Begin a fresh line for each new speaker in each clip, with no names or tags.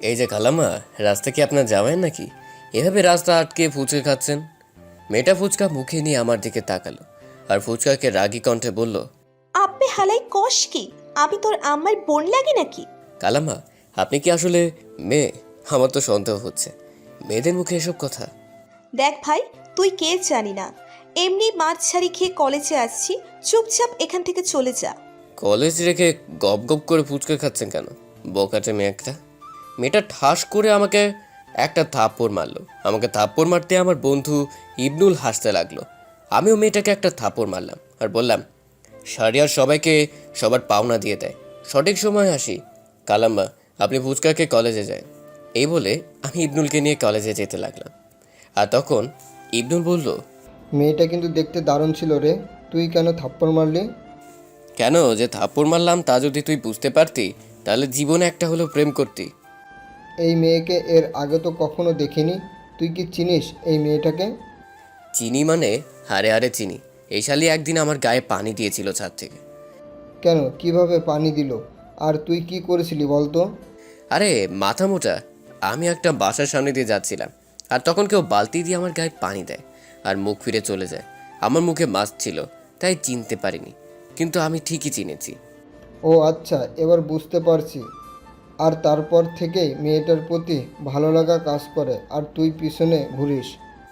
এই যে খালাম্মা, রাস্তা কি আপনার যাবেন নাকি? এভাবে রাস্তা আটকে ফুচকা খাচ্ছেন? মেয়েটা ফুচকা মুখে নিয়ে আমার দিকে তাকালো আর ফুচকাকে রাগী কণ্ঠে বলল,
আপনি হালাই কষ কি? আমি তোর আম্মার বোন লাগে নাকি?
খালাম্মা, আপনি কি আসলে মেয়ে? আমার তো সন্দেহ হচ্ছে। মেয়েদের মুখে এসব কথা।
দেখ ভাই, তুই কে জানি না। এমনি মাছ ছাড়ি খেয়ে কলেজে আসছি, চুপচাপ এখান থেকে চলে যা।
কলেজ রেখে গপ গপ করে ফুচকা খাচ্ছেন কেন? বোকাটে মেয়ে একটা। মেয়েটা ঠাস করে আমাকে একটা থাপ্পড় মারলো। আমাকে থাপ্পড় মারতে আমার বন্ধু ইবনুল হাসতে লাগলো। আমিও মেয়েটাকে একটা থাপ্পড় মারলাম আর বললাম, শারিয়ার সবাইকে সবার পাওনা দিয়ে দেয়, সঠিক সময় আসি। কালাম্মা, আপনি ফুচকাকে কলেজে যায়। এই বলে আমি ইবনুলকে নিয়ে কলেজে যেতে লাগলাম। আর তখন ইবনুল বলল,
মেয়েটা কিন্তু দেখতে দারুণ ছিল রে, তুই কেন থাপ্পড় মারলি?
কেন যে থাপ্পড় মারলাম তা যদি তুই বুঝতে পারতি, তাহলে জীবনে একটা হলেও প্রেম করতি।
এই মেয়েকে এর আগে তো কখনো দেখিনি। তুই কি চিনিস এই মেয়েটাকে?
চিনি মানে? হারে হারে চিনি। এই শালি একদিন আমার গায়ে পানি দিয়েছিল ছাদ থেকে।
কেন, কিভাবে পানি দিল? আর তুই কি করেছিলি বলতো?
আরে মাথা মোটা, আমি একটা বাসার সামনে দিয়ে যাচ্ছিলাম, আর তখন কেউ বালতি দিয়ে আমার গায়ে পানি দেয় আর মুখ ফিরে চলে যায়। আমার মুখে মাস্ক ছিল, তাই চিনতে পারিনি, কিন্তু আমি ঠিকই চিনেছি।
ও আচ্ছা, এবার বুঝতে পারছি। আর তারপর থেকেই মেয়েটার প্রতি ভালো লাগা কাজ করে আর তুই পিছনে ঘুরিস।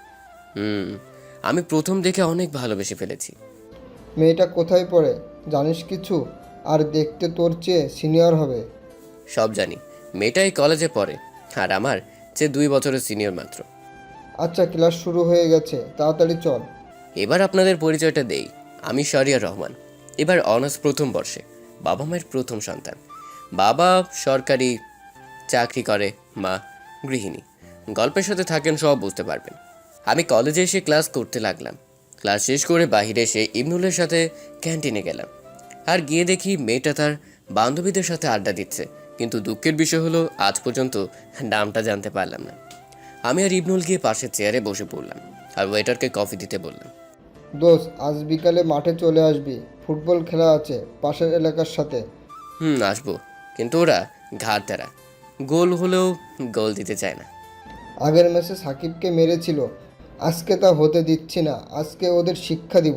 হুম, আমি প্রথম দেখে অনেক ভালোবেসে ফেলেছি।
মেয়েটা কোথায় পড়ে জানিস কিছু? আর দেখতে তোর চেয়ে সিনিয়র হবে।
সব জানি। মেয়েটাই কলেজে পড়ে, আর আমার চেয়ে 2 বছরের সিনিয়র মাত্র।
আচ্ছা, ক্লাস শুরু হয়ে গেছে, তাড়াতাড়ি চল।
এবার আপনাদের পরিচয়টা দেই। আমি শরিয়া রহমান, এবার অনার্স প্রথম বর্ষে, বাবা মায়ের প্রথম সন্তান। বাবা সরকারি চাকরি করে, মা গৃহিণী। গল্পের সাথে থাকেন, সব বুঝতে পারবেন। আমি কলেজে এসে ক্লাস করতে লাগলাম। ক্লাস শেষ করে বাইরে এসে ইবনুলের সাথে ক্যান্টিনে গেলাম। আর গিয়ে দেখি মেয়েটা তার বান্ধবীদের সাথে আড্ডা দিচ্ছে, কিন্তু দুঃখের বিষয় হলো আজ পর্যন্ত নামটা জানতে পারলাম না। আমি আর ইবনুল গিয়ে পাশের চেয়ারে বসে পড়লাম আর ওয়েটারকে কফি দিতে বললাম।
দোস্ত, আজ বিকালে মাঠে চলে আসবি, ফুটবল খেলা আছে পাশের এলাকার সাথে।
আসবো, কিন্তু ওরা ঘাড় তেরা, গোল হলেও গোল দিতে চায় না।
আগের ম্যাচে সাকিবকে মেরেছিল, আজকে তা হতে দিচ্ছি না, আজকে ওদের শিক্ষা দিব।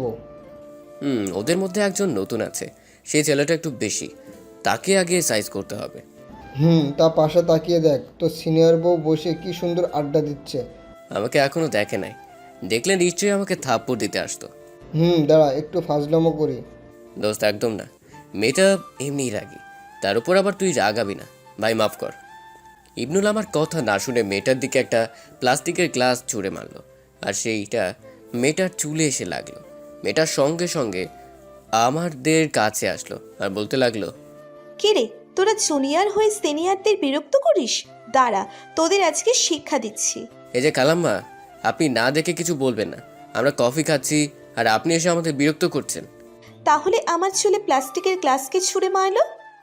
ওদের মধ্যে একজন নতুন আছে, সেই ছেলেটা একটু বেশি, তাকে আগে সাইজ করতে হবে।
তা পাশে তাকিয়ে দেখ, তো সিনিয়র বউ বসে কি সুন্দর আড্ডা দিচ্ছে।
আমাকে এখনো দেখে নাই, দেখলে নিশ্চয়ই আমাকে থাপ্পড় দিতে আসতো।
দাঁড়া, একটু ফাজলামো করি।
দোস্ত একদম না, মেয়েটা এমনিই রাগি, তার উপর আবার তুই রাগাবি না। ভাই মাফ কর। ইবনুল আমার কথা না শুনে মেয়েটার দিকে একটা প্লাস্টিকের গ্লাস ছুঁড়ে মারলো, আর সেইটা মেয়েটার চুলে এসে লাগলো। মেয়েটার সঙ্গে সঙ্গে আমাদের কাছে আসলো আর বলতে লাগলো,
কে রে, তোরা জুনিয়র হয়ে সিনিয়রদের বিরক্ত করিস? দাঁড়া, তোদের আজকে শিক্ষা দিচ্ছি।
এই যে কালাম্মা, আপনি না দেখে কিছু বলবেন না। আমরা কফি খাচ্ছি আর আপনি এসে আমাদের বিরক্ত করছেন।
তাহলে আমার চুলে প্লাস্টিকের গ্লাসকে ছুঁড়ে মারলো?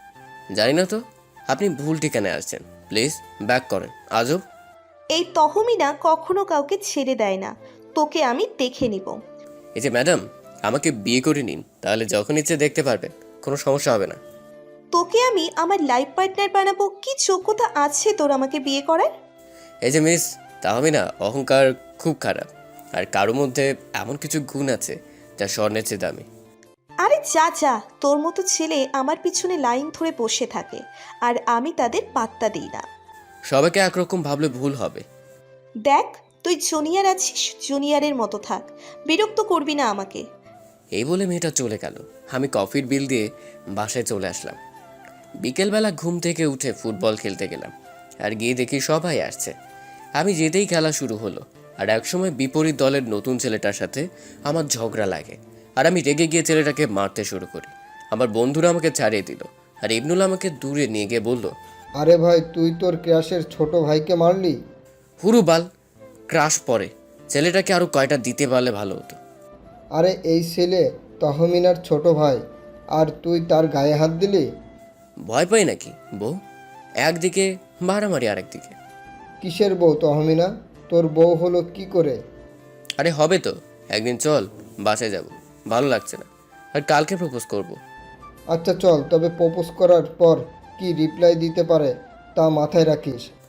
জানি না তো, আপনি ভুল ঠিকানায় আসছেন। প্লিজ ব্যাক করেন, আজব।
এই তহমিনা কখনো কাউকে ছেড়ে দেয় না, তোকে আমি দেখে নিব।
এই যে ম্যাডাম, আমাকে বিয়ে করে নিন, তাহলে যখন ইচ্ছে দেখতে পারবেন, কোনো সমস্যা হবে না।
তোকে আমি আমার লাইফ পার্টনার বানাবো, কি যোগ্যতা আছে তোর আমাকে বিয়ে করার?
এই যে মিস, তা হবে না, অহংকার খুব খারাপ, আর কারো মধ্যে এমন কিছু গুণ আছে যা স্বর্ণের চেয়ে দামি।
আরে যা যা, তোর মতো ছেলে আমার পিছনে লাইন ধরে বসে থাকে, আর আমি তাদের পাত্তা দিই না।
সবাইকে একরকম ভাবলে ভুল হবে।
দেখ, তুই জুনিয়র আছিস, জুনিয়রের মতো থাক, বিরক্ত করবি না আমাকে।
এই বলে মেয়েটা চলে গেল। আমি কফির বিল দিয়ে বাসায় চলে আসলাম। বিকেলবেলা ঘুম থেকে উঠে ফুটবল খেলতে গেলাম, আর গিয়ে দেখি সবাই আসছে। আমি যেতেই খেলা শুরু হলো, আর একসময় বিপরীত দলের নতুন ছেলেটার সাথে আমার ঝগড়া লাগে, আর আমি রেগে গিয়ে ছেলেটাকে মারতে শুরু করি। আমার বন্ধুরা আমাকে ছাড়িয়ে দিল, আর ইবনুল আমাকে দূরে নিয়ে গিয়ে বলল,
আরে ভাই, তুই তোর ক্রাশের ছোট ভাইকে মারলি?
হুরু বাল, ক্রাশ পরে, ছেলেটাকে আরও কয়টা দিতে পারলে ভালো হতো।
আরে এই ছেলে তহমিনার ছোট ভাই, আর তুই তার গায়ে হাত দিলি?
ভয় পাই নাকি বউ? একদিকে মারামারি, আরেকদিকে।
কিসের বউ তহমিনা? তোর বউ হলো কি করে?
আরে হবে তো, একদিন চল, বাসায় যাব, ভালো লাগছে না, আর কালকে প্রপোজ করব।
আচ্ছা চল, তবে প্রপোজ করার পর কি রিপ্লাই দিতে পারে তা মাথায় রাখিস।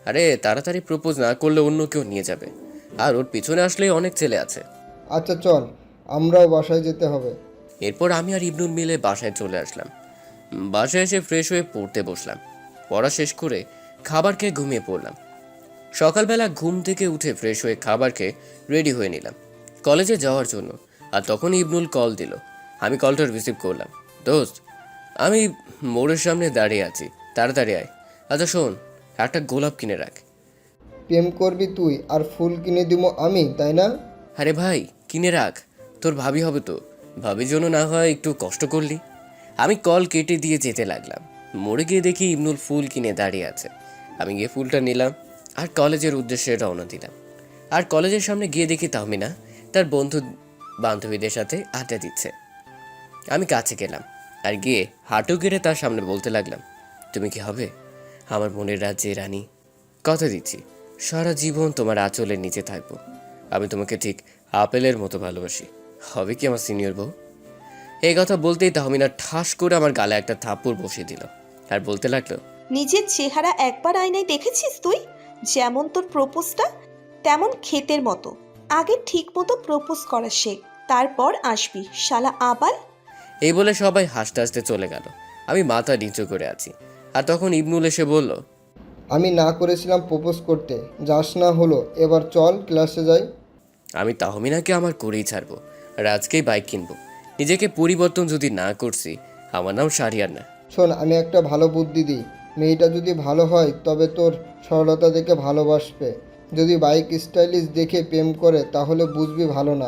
আরে তাড়াতাড়ি প্রপোজ না করলে অন্য কেউ নিয়ে যাবে, আর ওর পিছনে আসলে অনেক ছেলে আছে।
আচ্ছা চল, আমরাও বাসায় যেতে হবে।
এরপর আমি আর ইবনুল মিলে বাসায় চলে আসলাম। বাসায় এসে ফ্রেশ হয়ে পড়তে বসলাম। পড়া শেষ করে খাবার খেয়ে ঘুমিয়ে পড়লাম। সকালবেলা ঘুম থেকে উঠে ফ্রেশ হয়ে খাবার খেয়ে রেডি হয়ে নিলাম কলেজে যাওয়ার জন্য। আর তখন ইবনুল কল দিল। আমি কলটা রিসিভ করলাম। দোস্ত, আমি মোড়ের সামনে দাঁড়িয়ে আছি, তাড়াতাড়ি আয়। আচ্ছা শোন, একটা গোলাপ কিনে রাখ।
প্রেম করবি তুই আর ফুল কিনে দিব আমি, তাই না?
আরে ভাই, কিনে রাখ, তোর ভাবি হবে তো, ভাবির জন্য না হয় একটু কষ্ট করলি। আমি কল কেটে দিয়ে যেতে লাগলাম। মোড়ে গিয়ে দেখি ইবনুল ফুল কিনে দাঁড়িয়ে আছে। আমি গিয়ে ফুলটা নিলাম আর কলেজের উদ্দেশ্যে রওনা দিলাম। আর কলেজের সামনে গিয়ে দেখি তাহমিনা তার বন্ধু বান্ধবীদের সাথে আড্ডা দিচ্ছে। আমি কাছে গেলাম আর গিয়ে হাঁটু গেড়ে তার সামনে বলতে লাগলাম, তুমি কি হবে আমার মনের রাজ্যে রানী? কথা দিচ্ছি সারা জীবন তোমার আঁচলের নিচে থাকবো। আমি তোমাকে ঠিক আপেলের মতো ভালোবাসি। হবে কি আমার সিনিয়র বউ? এই কথা বলতেই তাহমিনা ঠাস করে আমার গালে একটা থাপ্পড় বসিয়ে দিল আর বলতে লাগলো,
নিজের চেহারা একবার আয়নায় দেখেছিস তুই? যেমন তোর প্রপোজটা তেমন ক্ষেতের মতো। আগে ঠিক মতো প্রপোজ করা শেখ, তারপর আসবি শালা আবাল।
এই বলে সবাই হাসতে হাসতে চলে গেল। আমি মাথা নিচু করে আছি। আর তখন ইবনুল এসে বলল,
আমি না করেছিলাম প্রপোজ করতে, যাস না হলো, এবার চল ক্লাসে যাই।
আমি তাহমিনাকে আমার করেই ছাড়বো আর আজকেই বাইক কিনবো। নিজেকে পরিবর্তন যদি না করছি, আমার নাম শারিয়ার না।
শোন, আমি একটা ভালো বুদ্ধি দিই। মেয়েটা যদি ভালো হয় তবে তোর সরলতা দেখে ভালোবাসবে। যদি বাইক স্টাইলিশ দেখে প্রেম করে তাহলে বুঝবি ভালো না।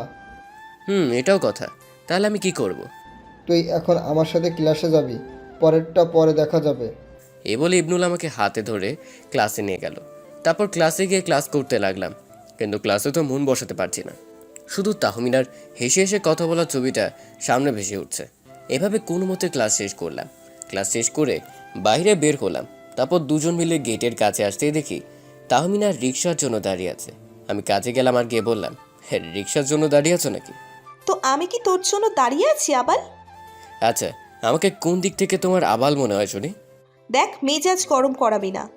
এটাও কথা। তাহলে আমি কি করব?
তুই এখন আমার সাথে ক্লাসে যাবি, পরেরটা পরে দেখা যাবে।
এই বলে ইবনুল আমাকে হাতে ধরে ক্লাসে নিয়ে গেল। তারপর ক্লাসে গিয়ে ক্লাস করতে লাগলাম, কিন্তু ক্লাসে তো মন বসাতে পারছি না। শুধু তাহমিনার হেসে হেসে কথা বলার ছবিটা সামনে ভেসে উঠছে। এভাবে কোনো মতে ক্লাস শেষ করলাম। ক্লাস শেষ করে বাইরে বের হলাম। তারপর দুজন মিলে গেটের কাছে আসতেই দেখি তাহমিনার রিক্সার জন্য দাঁড়িয়ে আছে। আমি কাছে গেলাম আর গিয়ে বললাম, হ্যাঁ, রিক্সার জন্য দাঁড়িয়ে আছো নাকি?
তো আমি কি তোর জন্য দাঁড়িয়ে আছি আবাল?
আচ্ছা, আমাকে কোন দিক থেকে তোমার আবাল মনে হয় শুনি?
দেখ, মেজাজ গরম করাবি না,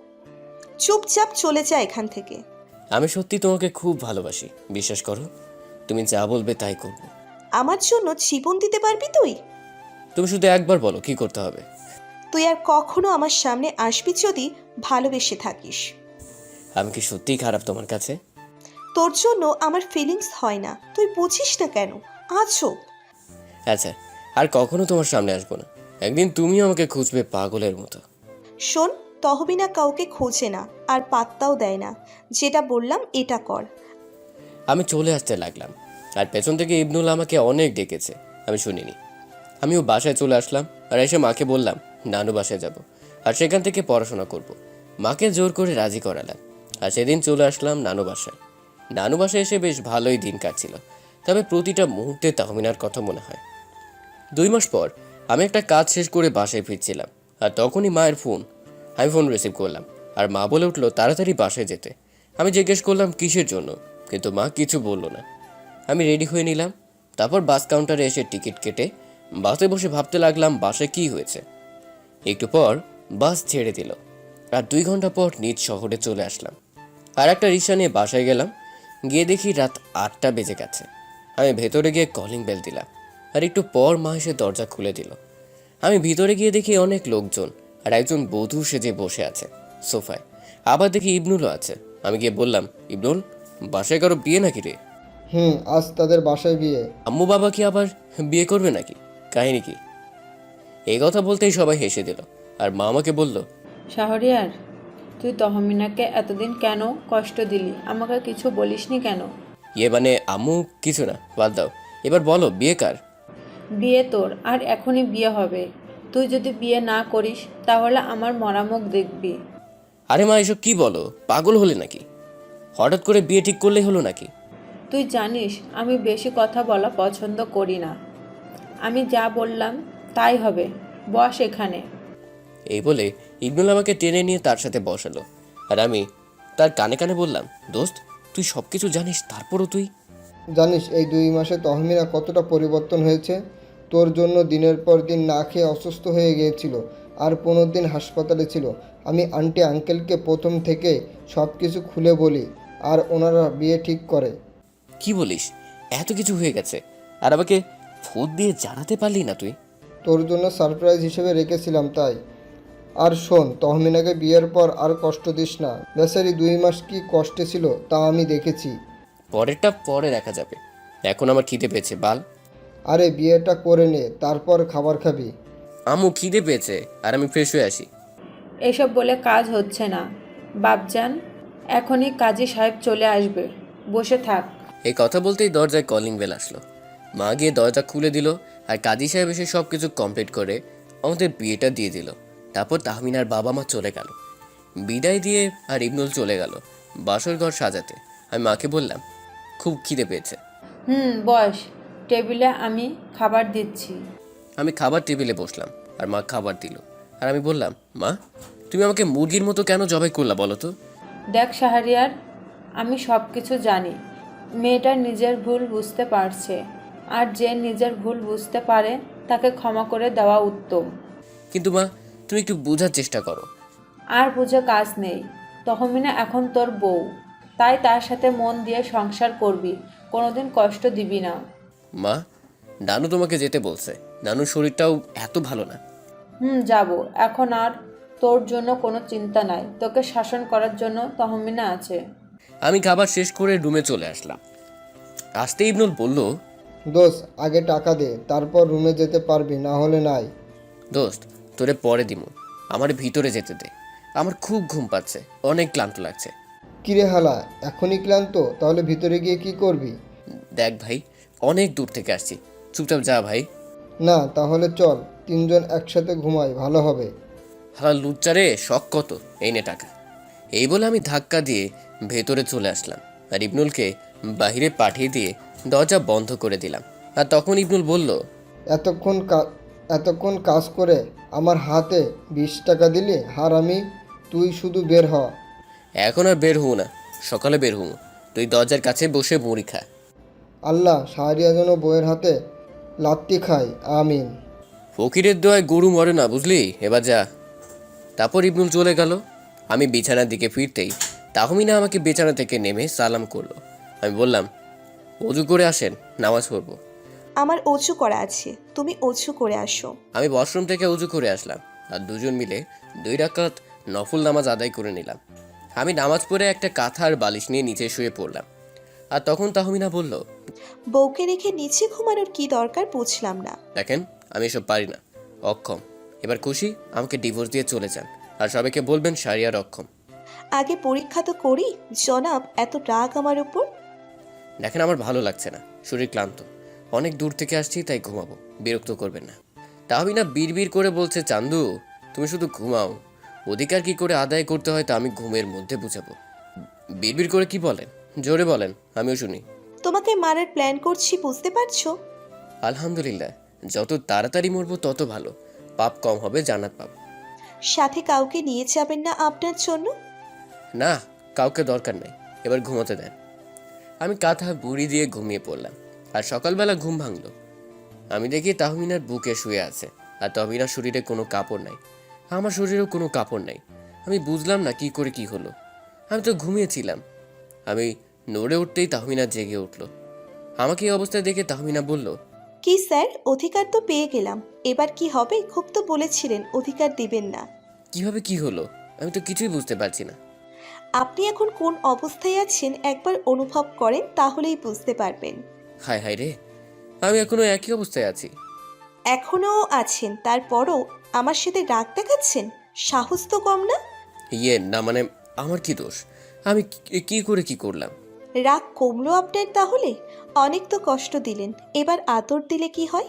চুপচাপ চলে যা এখান থেকে।
আমি সত্যি তোমাকে খুব ভালোবাসি, বিশ্বাস করো। তুমি যা বলবে তাই করব।
আমার জন্য জীবন দিতে পারবি তুই?
তুমি শুধু একবার বলো কি করতে হবে।
তুই আর কখনো আমার সামনে আসবি যদি ভালোবেসে থাকিস।
আমি কি সত্যিই খারাপ তোমার কাছে?
তোর জন্য আমার ফিলিংস হয় না, তুই বুঝিস না কেন? আজও
আচ্ছা, আর কখনো তোমার সামনে আসবো না। একদিন তুমিও আমাকে খুঁজবে পাগলের মতো।
শোন, তহবিনা কাউকে খোঁজে না আর পাত্তাও দেয় না। যেটা বললাম এটা কর।
আমি চলে আসতে লাগলাম আর পেছন থেকে ইবনুল আমাকে অনেক ডেকেছে, আমি শুনিনি। আমিও বাসায় চলে আসলাম আর এসে মাকে বললাম নানু বাসায় যাব আর সেখান থেকে পড়াশোনা করব। মাকে জোর করে রাজি করালাম আর সেদিন চলে আসলাম নানু বাসায়। নানু বাসায় এসে বেশ ভালোই দিন কাটছিল, তবে প্রতিটা মুহূর্তে তাহমিনার কথা মনে হয়। 2 মাস পর আমি একটা কাজ শেষ করে বাসায় ফিরছিলাম আর তখনই মায়ের ফোন। আমি ফোন রিসিভ করলাম আর মা বলে উঠলো তাড়াতাড়ি বাসায় যেতে। আমি জিজ্ঞেস করলাম কিসের জন্য, কিন্তু মা কিছু বলল না। আমি রেডি হয়ে নিলাম। তারপর বাস কাউন্টারে এসে টিকিট কেটে বাসে বসে ভাবতে লাগলাম বাসায় কি হয়েছে। একটু পর বাস ছেড়ে দিল আর 2 ঘন্টা পর নিজ শহরে চলে আসলাম। আর একটা রিক্সা নিয়ে বাসায় গেলাম। গিয়ে দেখি রাত 8টা বেজে গেছে। আমি ভেতরে গিয়ে কলিং বেল দিলাম আর একটু পর মা এসে দরজা খুলে দিল। আমি ভিতরে গিয়ে দেখি অনেক লোকজন আর একজন বধূ সেজে বসে আছে সোফায়। আবার দেখি ইবনুলও আছে। আমি গিয়ে বললাম, ইবনুল, বাসায় কারো বিয়ে নাকি রে?
আজ তাদের বাসায় বিয়ে।
আম্মু বাবা কি আবার বিয়ে করবে নাকি? কাহিনী কি? এই কথা বলতেই সবাই হেসে দিল আর মা আমাকে বলল,
শাহরিয়ার, তুই তহমিনাকে এতদিন কেন কষ্ট দিলি? আমাকে কিছু বলিসনি কেন?
মানে আম্মু কিছু না, বাদ দাও। এবার বলো বিয়ে কার?
বিয়ে তোর, আর এখনই বিয়ে হবে। তুই যদি বিয়ে না করিস তাহলে আমার মরা মুখ দেখবি।
আরে মা, এসব কি বলো? পাগল হলে নাকি? হঠাৎ করে বিয়ে ঠিক করলেই হলো নাকি?
তুই জানিস আমি বেশি কথা বলা পছন্দ করি না। আমি যা বললাম তাই হবে। বস এখানে।
এই বলে ইবনুল আমাকে টেনে নিয়ে তার সাথে বসালো আর আমি তার কানে কানে বললাম, দোস্ত, তুই সব কিছু জানিস তারপরও তুই?
জানিস এই 2 মাসে তহমিনা কতটা পরিবর্তন হয়েছে? তোর জন্য দিনের পর দিন না খেয়ে অসুস্থ হয়ে গিয়েছিল আর 15 দিন হাসপাতালে ছিল। আমি আন্টি আঙ্কেলকে প্রথম থেকে সব কিছু খুলে বলি আর ওনারা বিয়ে ঠিক করে।
কি বলিস? এত কিছু হয়ে গেছে আর আমাকে ফোন দিয়ে জানাতে পারলি না তুই?
তোর জন্য সারপ্রাইজ হিসেবে রেখেছিলাম তাই। আর শোন, তহমিনাকে বিয়ের পর আর কষ্ট দিস না। বেচারি 2 মাস কি কষ্টে ছিল তা আমি দেখেছি।
পরেরটা পরে দেখা যাবে, এখন আমার খিদে পেয়েছে বাল।
আরে বিয়েটা করে নে, তারপর খাবার খাবি।
আম্মু খিদে পেয়েছে আর আমি ফ্রেশ হয়ে আসি।
এসব বলে কাজ হচ্ছে না বাপজান, এখনই কাজী সাহেব চলে আসবে, বসে থাক।
এই কথা বলতেই দরজায় কলিং বেল আসলো। মা গিয়ে দরজা খুলে দিল আর কাজী সাহেব এসে সব কিছু কমপ্লিট করে আমাদের বিয়েটা দিয়ে দিল। তারপর তাহমিনার বাবা মা চলে গেল বিদায় দিয়ে, আর ইবনুল চলে গেল বাসর ঘর সাজাতে। আমি মাকে বললাম খুব খিদে পেয়েছে।
বস, টেবিলে আমি খাবার দিচ্ছি।
আমি খাবার টেবিলে বসলাম আর মা খাবার দিল। আর আমি বললাম, মা তুমি আমাকে মুরগির মতো কেন জবাই করলা বলো তো?
দেখ শাহরিয়ার, আমি সব কিছু জানি। মেয়েটা নিজের ভুল বুঝতে পারছে, আর যে নিজের ভুল বুঝতে পারে তাকে ক্ষমা করে দেওয়া উত্তম।
কিন্তু মা তুমি একটু বোঝার চেষ্টা করো।
আর বুঝে কাজ নেই। তহমিনা এখন তোর বউ, তাই তার সাথে মন দিয়ে সংসার করবি, কোনোদিন কষ্ট দিবি না।
মা নানু তোমাকে যেতে বলছে, নানুর শরীরটাও এত ভালো না।
যাব। এখন আর তোর জন্য কোনো চিন্তা নাই, তোকে শাসন করার জন্য তহমিনা আছে।
আমি খাবার শেষ করে রুমে চলে আসলাম। আসতে ইবনুল বলল,
দোস্ত আগে টাকা দে, তারপর রুমে যেতে পারবি, না হলে নাই।
দোস্ত তোরে পরে দিমু, আমার ভিতরে যেতে দে, আমার খুব ঘুম পাচ্ছে, অনেক ক্লান্ত লাগছে।
কিরে হালা, এখনই ক্লান্ত? তাহলে ভিতরে গিয়ে কি করবি?
দেখ ভাই, অনেক দূর থেকে আসছি, চুপচাপ যা ভাই।
না তাহলে চল, 3জন একসাথে ঘুমাই, ভালো হবে।
হালা লুচ্চারে, শখ কত, এই নে টাকা। এই বলে আমি ধাক্কা দিয়ে ভেতরে চলে আসলাম আর ইবনুলকে বাইরে পাঠিয়ে দিয়ে দরজা বন্ধ করে দিলাম। আর তখন ইবনুল বলল,
এতক্ষণ কাজ করে আমার হাতে 20 টাকা দিলি, আমি তুই শুধু বের হ।
এখন আর বের হবো না, সকালে বের হবো, তুই দরজার কাছে বসে মুড়ি খা।
আল্লাহ শাহরিয়া যেন বইয়ের হাতে লাত্তি খায়, আমিন।
ফকিরের দোয়ায় গরু মরে না, বুঝলি? এবার যা। তারপর ইবনুল চলে গেল। আমি বিছানার দিকে ফিরতেই তাহমিনা আমাকে বিছানা থেকে নেমে সালাম করলো। আমি বললাম, অজু করে আসেন, নামাজ পড়বো।
আমার অজু করা আছে, তুমি অজু করে আসো।
আমি ওয়াশরুম থেকে অজু করে আসলাম আর দুজন মিলে 2 রাকাত নফল নামাজ আদায় করে নিলাম। আমি নামাজ পড়ে একটা কাঁথা আর বালিশ নিয়ে নিচে শুয়ে পড়লাম। আর তখন তাহমিনা বলল,
বউকে রেখে নিচে ঘুমানোর কি দরকার বুঝলাম না।
দেখেন আমি এসব পারি না, অক্ষম। এবার খুশি আমাকে ডিভোর্স দিয়ে চলে যান আর সবাইকে বলবেন শারিয়ার অক্ষম।
আগে পরীক্ষা তো করি জনাব, এত রাগ আমার উপর।
দেখেন আমার ভালো লাগছে না, শরীর ক্লান্ত, অনেক দূর থেকে আসছি তাই ঘুমাবো, বিরক্ত করবেন না। তাহমিনা বিড়বিড় করে বলছে, চান্দু তুমি শুধু ঘুমাও, অধিকার কি করে আদায় করতে হয় তা আমি ঘুমের মধ্যে বুঝাবো। বিড়বিড় করে কি বলেন, জোরে বলেন, আমিও শুনি।
তোমাকে মারার প্ল্যান করছি, বুঝতে পারছো?
আলহামদুলিল্লাহ, যত তাড়াতাড়ি মরবো তত ভালো, পাপ কম হবে, জান্নাত পাবো।
সাথে কাউকে নিয়ে যাবেন না আপনার জন্য?
না, কাউকে দরকার নেই, এবার ঘুমোতে দেন। আমি কাঁথা বুড়ি দিয়ে ঘুমিয়ে পড়লাম আর সকালবেলা ঘুম ভাঙলো। আমি দেখি তাহমিনার বুকে শুয়ে আছে আর তাহমিনার শরীরে কোনো কাপড় নাই, আমার শরীরেও কোনো কাপড় নাই। আমি বুঝলাম না কি করে কি হলো, আমি তো ঘুমিয়েছিলাম। আমি নড়ে উঠতেই তাহমিনা জেগে উঠলো। আমাকে এই অবস্থায় দেখে তাহমিনা বলল,
কি স্যার, অধিকার তো পেয়ে গেলাম, এবার কি হবে? খুব তো বলেছিলেন অধিকার দিবেন না।
কিভাবে কি হলো, আমি তো কিছুই বুঝতে পারছি না।
আপনি এখন কোন অবস্থায় আছেন একবার অনুভব করেন, তাহলেই বুঝতে পারবেন।
হায় হায় রে, আমি এখনো একই অবস্থায় আছি।
এখনও আছেন, তারপরও আমার সাথে রাগ দেখাচ্ছেন, সাহস তো কম না।
না মানে আমার কি দোষ, আমি কি করে কি করলাম?
রাগ কমলো আপনার তাহলে? অনেক তো কষ্ট দিলেন, এবার আদর দিলে কি হয়?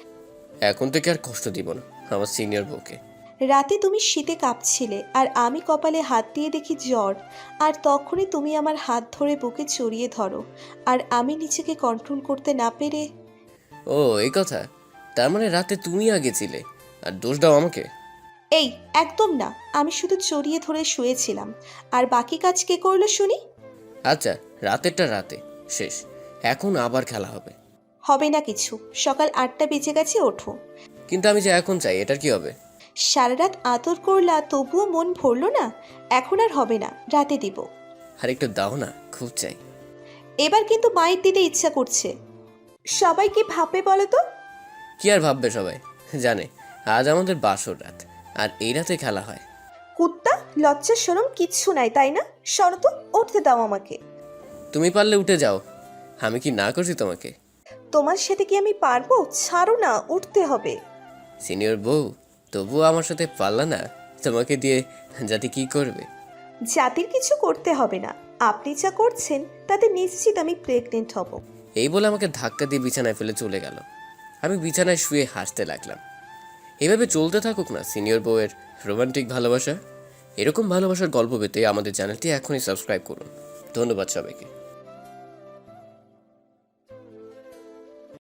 এখন থেকে আর কষ্ট দিব না আমার সিনিয়র বউকে।
রাতে তুমি শীতে কাঁপছিলে আর আমি কপালে হাত দিয়ে দেখি জ্বর, আর তখনই তুমি আমার হাত ধরে বুকে জড়িয়ে ধরো, আর আমি নিজেকে কন্ট্রোল করতে না পেরে।
ও এই কথা, তার মানে রাতে তুমি আগে ছিলে আর দোষ দাও আমাকে?
এই একদম না, আমি শুধু জড়িয়ে ধরে শুয়েছিলাম, আর বাকি কাজ কে করলো শুনি?
আচ্ছা, রাতেরটা রাতে শেষ, এখন আবার খেলা হবে।
হবে না কিছু, সকাল 8টা বেজে গেছে, ওঠো।
কিন্তু আমি যে এখন চাই, এটার কি হবে?
সারা রাত আদর করলা তবুও মন ভরলো না? এখন আর হবে না, রাতে দিব।
আর একটু দাও না, খুব চাই।
এবার কিন্তু মায়ের দিতে ইচ্ছা করছে। সবাই কি ভাববে বলো তো?
কি আর ভাববে সবাই, জানে আজ আমাদের বাসর রাত, আর এই রাতে খেলা হয়।
কুত্তা, লজ্জা শরম কিচ্ছু নাই তাই না? সরো তো, উঠতে দাও আমাকে।
তুমি পারলে উঠে যাও, আমি কি না করছি তোমাকে?
তোমার সাথে কি আমি পারবো? ছাড়ো না, উঠতে হবে।
সিনিয়র বউ, তবুও আমার সাথে পারলা না? তোমাকে দিয়ে জাতি কি করবে?
জাতির কিছু করতে হবে না, আপনি যা করছেন তাতে নিশ্চিত আমি প্রেগনেন্ট হব।
এই বলে আমাকে ধাক্কা দিয়ে বিছানায় ফেলে চলে গেল। আমি বিছানায় শুয়ে হাসতে লাগলাম। এভাবে চলতে থাকুক না সিনিয়র বউয়ের রোমান্টিক ভালোবাসা। এরকম ভালোবাসার গল্প পেতে আমাদের চ্যানেলটি এখনই সাবস্ক্রাইব করুন। ধন্যবাদ সবাইকে।